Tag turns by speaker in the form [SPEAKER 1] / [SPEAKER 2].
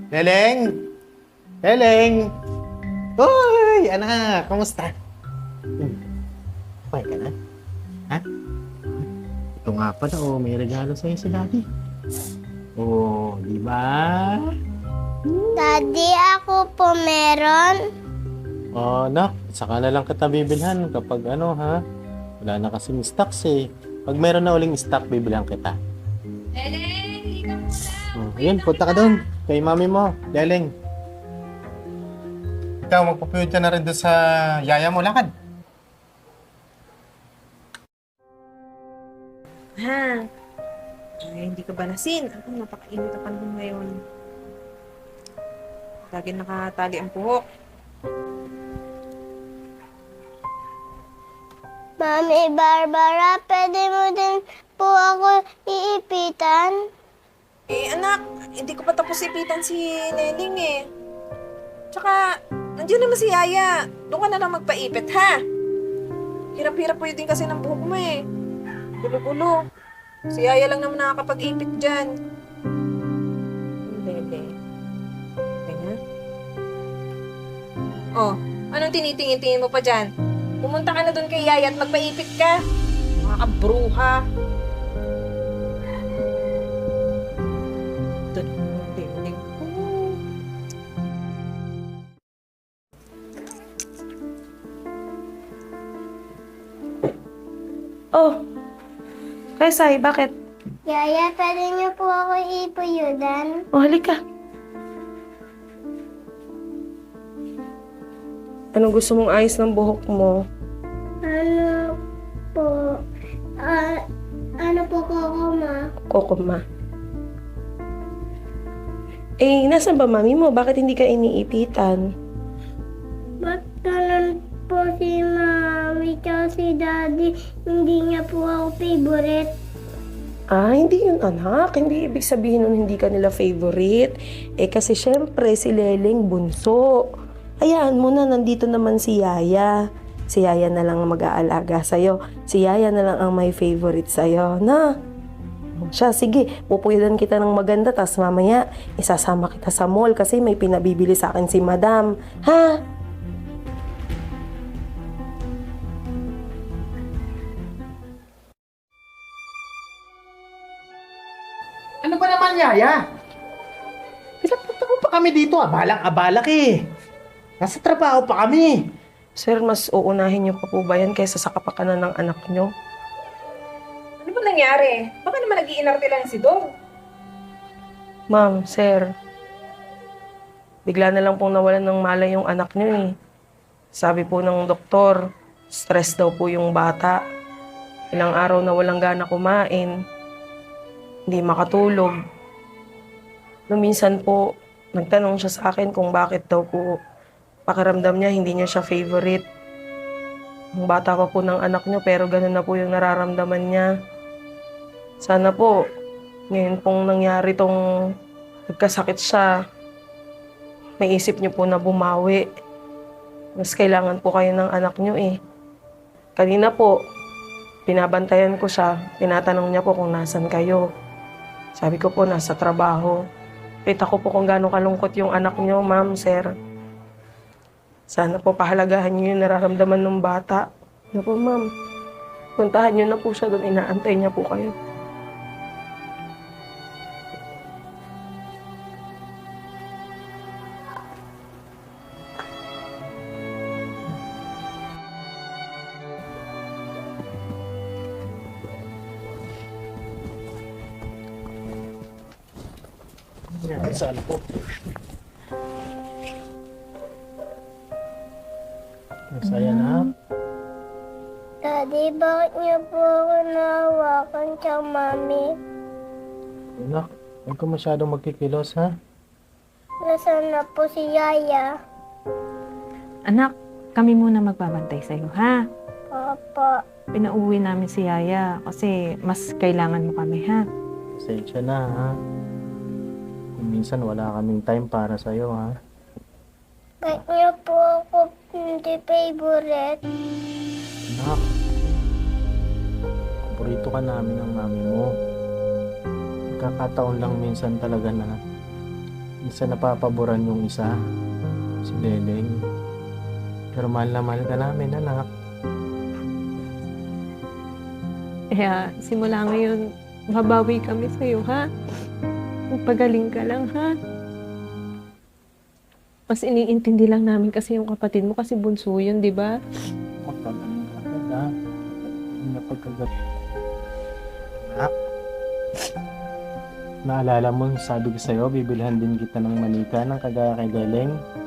[SPEAKER 1] Leleng! Leleng! Uy! Anak! Kamusta? Okay ka na? Ha? Ito nga pala, may regalo sa'yo si Daddy. Di ba?
[SPEAKER 2] Daddy, ako po meron.
[SPEAKER 1] Anak, saka na lang kita bibilhan kapag ha? Wala na kasing stocks eh. Pag meron na uling stock, bibilhan kita.
[SPEAKER 3] Leleng, hindi ka muna.
[SPEAKER 1] Ayun, punta ka doon. Kay mami mo, Leleng. Ikaw, magpapuyod ka na rin doon sa yaya mo, lakad.
[SPEAKER 3] Ha? Ay, hindi ka ba nasin? Ako, napakainit ang panahon ngayon. Lagi nakatali ang buhok.
[SPEAKER 2] Mami Barbara, pwede mo din po ako iipitan?
[SPEAKER 3] Eh, anak, hindi ko pa tapos ipitan si Nening eh. Tsaka, nandiyan naman si Yaya. Doon ka na lang magpaipit, ha? Hirap-hirap po yun din kasi ng buhok mo eh. Gulo-gulo. Si Yaya lang naman nakakapag-ipit dyan. Bebe. Okay na? Oh, anong tinitingin-tingin mo pa dyan? Pumunta ka na doon kay Yaya at magpaipit ka. Mga kabruha. Doon, ding.
[SPEAKER 4] Oh, Kesay, bakit?
[SPEAKER 2] Yaya, pwede niyo po ako ipuyudan?
[SPEAKER 4] Oh, halika. Anong gusto mong ayos ng buhok mo?
[SPEAKER 2] Ano po? Ano po ma?
[SPEAKER 4] Kokoma. Eh, nasan ba mami mo? Bakit hindi ka iniipitan?
[SPEAKER 2] Ba't ganun po si Mami tsaka si Daddy? Hindi niya po ako favorite.
[SPEAKER 4] Ah, hindi yun anak. Hindi ibig sabihin nun hindi ka nila favorite. Eh, kasi syempre si Leleng bunso. Hayaan mo na, nandito naman si Yaya. Si Yaya na lang ang mag-aalaga sa'yo. Si Yaya na lang ang may favorite sa'yo, na? Siya, sige, pupuyadan kita ng maganda, tas mamaya, isasama kita sa mall kasi may pinabibili sa akin si Madam. Ha?
[SPEAKER 1] Ano ba naman, yaya? Pinapunta mo pa kami dito, abalang-abala ka eh. Nasa trabaho pa kami.
[SPEAKER 4] Sir, mas uunahin niyo pa po ba yan kaysa sa kapakanan ng anak niyo?
[SPEAKER 3] Ano ba nangyari? Baka naman nag-iinarte lang si Dong.
[SPEAKER 4] Ma'am, sir, bigla na lang pong nawalan ng malay yung anak niyo eh. Sabi po ng doktor, stress daw po yung bata. Ilang araw na walang gana kumain. Hindi makatulog. Nung minsan po, nagtanong siya sa akin kung bakit daw po pakiramdam niya hindi niya siya favorite. Ang bata pa po ng anak niyo pero ganun na po yung nararamdaman niya. Sana po, ngayon pong nangyari tong nagkasakit siya, may isip niyo po na bumawi. Mas kailangan po kayo ng anak niyo eh. Kanina po, binabantayan ko siya, tinatanong niya po kung nasan kayo. Sabi ko po, nasa trabaho. Kita ko po kung gaano kalungkot yung anak niyo, ma'am, sir. Sana po pahalagahan niyo yung nararamdaman ng bata. Ano po, ma'am? Puntahan niyo na po siya doon, inaantay niya po kayo.
[SPEAKER 1] Saan po? Masaya na.
[SPEAKER 2] Daddy, bakit niyo po ako nahawakan tsaka Mami?
[SPEAKER 1] Anak, huwag ka masyadong magkikilos, ha?
[SPEAKER 2] Nasaan na po si Yaya?
[SPEAKER 5] Anak, kami muna magbabantay sa'yo, ha?
[SPEAKER 2] Papa,
[SPEAKER 5] Pinauwi namin si Yaya kasi mas kailangan mo kami, ha?
[SPEAKER 1] Pasensya na, ha? Kung minsan wala kaming time para sa'yo, ha?
[SPEAKER 2] bakit niyo po ako hindi favorite?
[SPEAKER 1] Anak, paborito ka namin ng mami mo. Nagkakataon lang minsan talaga na Minsan napapaboran yung isa, si Leleng. Pero mahal na mahal ka namin, anak.
[SPEAKER 5] Kaya simula ngayon, mabawi kami sa'yo, ha? Magpagaling ka lang, ha? Mas iniintindi lang namin kasi yung kapatid mo kasi bunso yun, di ba?
[SPEAKER 1] Magpagaling ka agad, ha? Napagkagat. Anak, naalala mo, sabi ko sa'yo, bibilhan din kita ng manika ng kagaya kay Leleng.